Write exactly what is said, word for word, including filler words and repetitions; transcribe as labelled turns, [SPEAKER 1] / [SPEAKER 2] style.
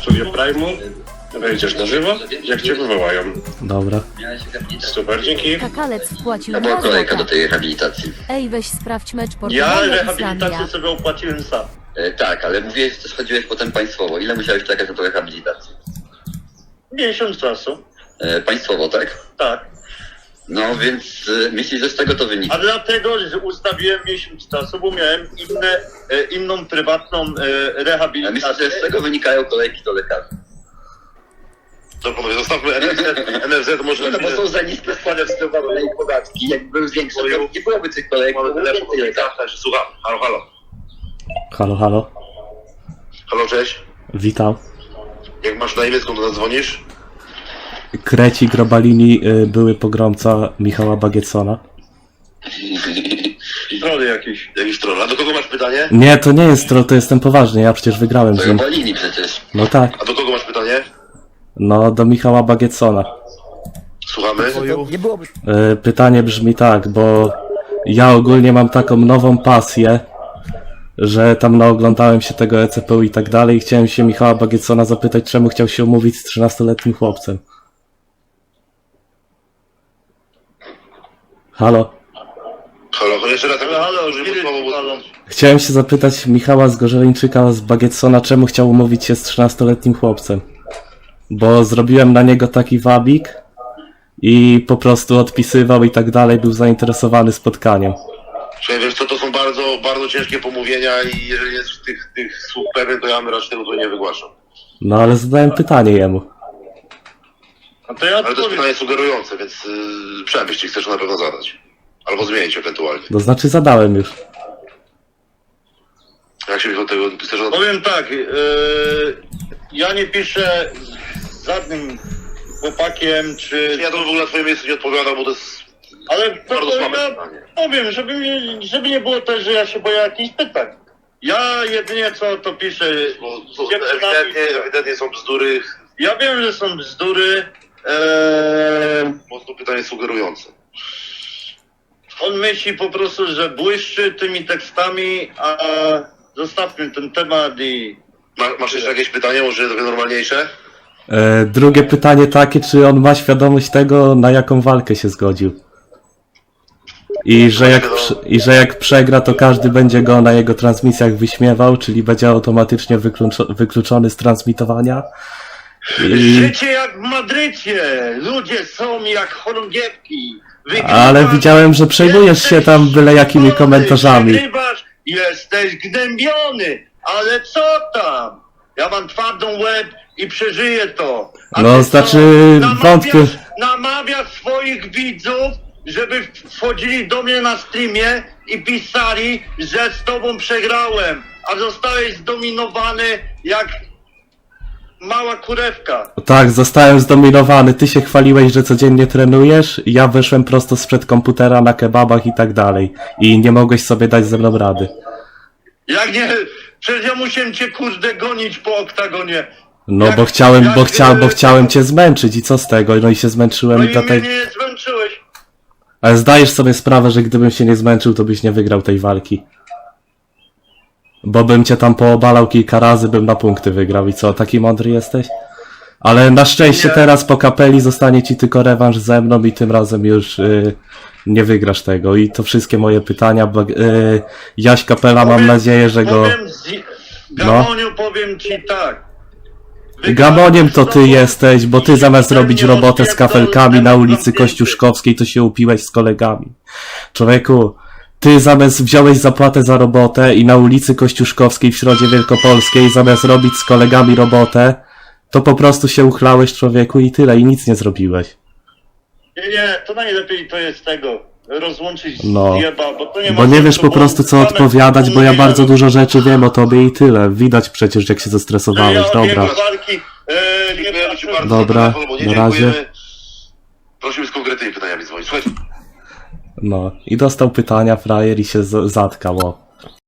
[SPEAKER 1] studio Prime'u. Wejdziesz na żywo, jak cię wywołają.
[SPEAKER 2] Dobra.
[SPEAKER 1] Super, dzięki.
[SPEAKER 3] Kakalec wpłacił
[SPEAKER 4] To była
[SPEAKER 3] dwa
[SPEAKER 4] kolejka do
[SPEAKER 3] złote.
[SPEAKER 4] tej rehabilitacji.
[SPEAKER 3] Ej, weź sprawdź mecz
[SPEAKER 1] Ja
[SPEAKER 3] Portugalia
[SPEAKER 1] rehabilitację
[SPEAKER 3] Islandia.
[SPEAKER 1] sobie opłaciłem sam.
[SPEAKER 4] E, tak, ale mówiłeś, że też chodziłeś potem państwowo. Ile musiałeś czekać na tą rehabilitację?
[SPEAKER 1] Miesiąc czasu.
[SPEAKER 4] E, państwowo, tak?
[SPEAKER 1] Tak.
[SPEAKER 4] No więc e, myślisz, że z tego to wynika?
[SPEAKER 1] A dlatego, że ustawiłem miesiąc czasu, bo miałem inne, e, inną prywatną e,
[SPEAKER 4] A myślisz,
[SPEAKER 1] rehabilitację.
[SPEAKER 4] że z tego wynikają kolejki do lekarzy?
[SPEAKER 5] To panowie, zostawmy N F Z, N F Z może...
[SPEAKER 4] No bo są za niskie składy wstępowe i podatki. Jakby były większe, to nie byłoby tych kolejek,
[SPEAKER 5] Mamy
[SPEAKER 4] byłoby
[SPEAKER 5] telefon,
[SPEAKER 4] więcej lekarzy.
[SPEAKER 5] także słucham. Halo, halo.
[SPEAKER 2] Halo, halo.
[SPEAKER 5] Halo, cześć.
[SPEAKER 2] Witam.
[SPEAKER 5] Jak masz na imię, skąd zadzwonisz?
[SPEAKER 2] Kreci Grobalini, y, były pogromca Michała Bagietsona.
[SPEAKER 1] Strony jakieś.
[SPEAKER 5] Jakiś troll. A do kogo masz pytanie?
[SPEAKER 2] Nie, to nie jest troll, to jestem poważny, ja przecież wygrałem
[SPEAKER 4] To
[SPEAKER 2] z nim.
[SPEAKER 4] Bolini przecież.
[SPEAKER 2] No tak,
[SPEAKER 5] A do kogo masz pytanie?
[SPEAKER 2] no do Michała Bagietsona.
[SPEAKER 5] Słuchamy.
[SPEAKER 2] Y, pytanie brzmi tak, bo ja ogólnie mam taką nową pasję, że tam naoglądałem się tego E C P U i tak dalej i chciałem się Michała Bagietsona zapytać, czemu chciał się umówić z trzynastoletnim chłopcem. Halo.
[SPEAKER 5] Halo, jeszcze raz.
[SPEAKER 1] Halo, halo,
[SPEAKER 5] użyjmy
[SPEAKER 1] kiedy
[SPEAKER 5] słowa, bo-
[SPEAKER 1] halo?
[SPEAKER 2] Chciałem się zapytać Michała z Gorzeleńczyka z Bagietsona, czemu chciał umówić się z trzynastoletnim chłopcem. Bo zrobiłem na niego taki wabik i po prostu odpisywał i tak dalej, był zainteresowany spotkaniem.
[SPEAKER 5] Słuchaj, wiesz co, to są bardzo, bardzo ciężkie pomówienia i jeżeli jest tych, tych słów pewien, to ja bym raczej tego tutaj nie wygłaszam.
[SPEAKER 2] No ale zadałem pytanie jemu.
[SPEAKER 1] No to ja
[SPEAKER 5] Ale to jest
[SPEAKER 1] odpowiem.
[SPEAKER 5] pytanie sugerujące, więc yy, przemyśl, jeśli chcesz na pewno zadać. Albo zmienić ewentualnie.
[SPEAKER 2] To znaczy zadałem już.
[SPEAKER 5] Jak się do tego chcesz zadać?
[SPEAKER 1] Powiem tak, yy, ja nie piszę z żadnym chłopakiem, czy...
[SPEAKER 5] Ja to w ogóle na twoim miejscu nie odpowiadam, bo to jest
[SPEAKER 1] Ale to,
[SPEAKER 5] bardzo
[SPEAKER 1] to
[SPEAKER 5] słabe
[SPEAKER 1] ja
[SPEAKER 5] pytanie.
[SPEAKER 1] powiem, żeby, nie- żeby nie było też, że ja się boję jakichś pytań. Ja jedynie co to piszę...
[SPEAKER 5] Bo to
[SPEAKER 1] dziewczynami-
[SPEAKER 5] ewidentnie, ewidentnie są bzdury,
[SPEAKER 1] Ja wiem, że są bzdury. Eee,
[SPEAKER 5] mocno pytanie sugerujące.
[SPEAKER 1] on myśli po prostu, że błyszczy tymi tekstami, a zostawmy ten temat i...
[SPEAKER 5] Ma, masz jeszcze jakieś pytanie, może trochę normalniejsze?
[SPEAKER 2] E, drugie pytanie takie, czy on ma świadomość tego, na jaką walkę się zgodził. I że jak, prze- i że jak przegra, to każdy będzie go na jego transmisjach wyśmiewał, czyli będzie automatycznie wykluczo- wykluczony z transmitowania. I...
[SPEAKER 1] Życie jak w Madrycie! Ludzie są jak chorągiewki! Wygrywasz,
[SPEAKER 2] Ale widziałem, że przejmujesz się tam byle jakimi
[SPEAKER 1] jesteś
[SPEAKER 2] komentarzami.
[SPEAKER 1] Wygrywasz, jesteś gnębiony, ale co tam? Ja mam twardą łeb i przeżyję to. A
[SPEAKER 2] No,
[SPEAKER 1] ty
[SPEAKER 2] znaczy,
[SPEAKER 1] co? Namawiasz-
[SPEAKER 2] wątpię.
[SPEAKER 1] Namawiasz swoich widzów, żeby wchodzili do mnie na streamie i pisali, że z tobą przegrałem, a zostałeś zdominowany jak mała kurewka.
[SPEAKER 2] Tak, zostałem zdominowany. Ty się chwaliłeś, że codziennie trenujesz. Ja wyszłem prosto sprzed komputera na kebabach i tak dalej. I nie mogłeś sobie dać ze mną rady.
[SPEAKER 1] Jak nie, przecież ja musiałem cię kurde gonić po oktagonie.
[SPEAKER 2] No
[SPEAKER 1] Jak-
[SPEAKER 2] bo chciałem,
[SPEAKER 1] jak,
[SPEAKER 2] bo, chcia, bo
[SPEAKER 1] e,
[SPEAKER 2] chciałem cię zmęczyć i co z tego? No i się
[SPEAKER 1] No
[SPEAKER 2] zmęczyłem
[SPEAKER 1] i
[SPEAKER 2] i
[SPEAKER 1] mnie
[SPEAKER 2] dlatego...
[SPEAKER 1] nie zmęczyłeś.
[SPEAKER 2] Ale zdajesz sobie sprawę, że gdybym się nie zmęczył, to byś nie wygrał tej walki. Bo bym cię tam poobalał kilka razy, bym na punkty wygrał. I co, taki mądry jesteś? Ale na szczęście
[SPEAKER 1] Nie.
[SPEAKER 2] teraz po kapeli zostanie ci tylko rewanż ze mną i tym razem już y, nie wygrasz tego. I to wszystkie moje pytania. Bo, y, Jaś Kapela, mam
[SPEAKER 1] Powiem-
[SPEAKER 2] nadzieję, że go...
[SPEAKER 1] Powiem z... Gamoniu, powiem ci tak.
[SPEAKER 2] Gamoniem to ty
[SPEAKER 1] Wygrałem z tobą
[SPEAKER 2] jesteś, bo ty
[SPEAKER 1] i
[SPEAKER 2] zamiast
[SPEAKER 1] ten
[SPEAKER 2] robić
[SPEAKER 1] nie
[SPEAKER 2] robotę z
[SPEAKER 1] rozpierdol
[SPEAKER 2] kafelkami na
[SPEAKER 1] temat
[SPEAKER 2] ulicy
[SPEAKER 1] zamknięty.
[SPEAKER 2] Kościuszkowskiej, to się upiłeś z kolegami. Człowieku, ty zamiast wziąłeś zapłatę za robotę i na ulicy Kościuszkowskiej w Środzie Wielkopolskiej zamiast robić z kolegami robotę, to po prostu się uchlałeś, człowieku, i tyle, i nic nie zrobiłeś.
[SPEAKER 1] Nie, nie, to najlepiej to jest tego. Rozłączyć
[SPEAKER 2] No.
[SPEAKER 1] z jeba, bo to nie ma
[SPEAKER 2] Bo nie
[SPEAKER 1] sensu,
[SPEAKER 2] wiesz po
[SPEAKER 1] bo
[SPEAKER 2] prostu co
[SPEAKER 1] same
[SPEAKER 2] odpowiadać, bo ja
[SPEAKER 1] mówię,
[SPEAKER 2] bardzo
[SPEAKER 1] że-
[SPEAKER 2] dużo rzeczy wiem o tobie i tyle. Widać przecież, jak się
[SPEAKER 1] że
[SPEAKER 2] zestresowałeś.
[SPEAKER 1] ja od
[SPEAKER 2] Dobra.
[SPEAKER 1] jego walki, e, nie
[SPEAKER 5] Dziękujemy ci
[SPEAKER 1] patrzę.
[SPEAKER 5] bardzo
[SPEAKER 2] Dobra,
[SPEAKER 5] za telefon, bo nie
[SPEAKER 2] na razie.
[SPEAKER 5] dziękujemy. Prosimy z konkretnymi pytaniami dzwonić. Słuchajcie.
[SPEAKER 2] No. I dostał pytania frajer i się z- zatkał, o.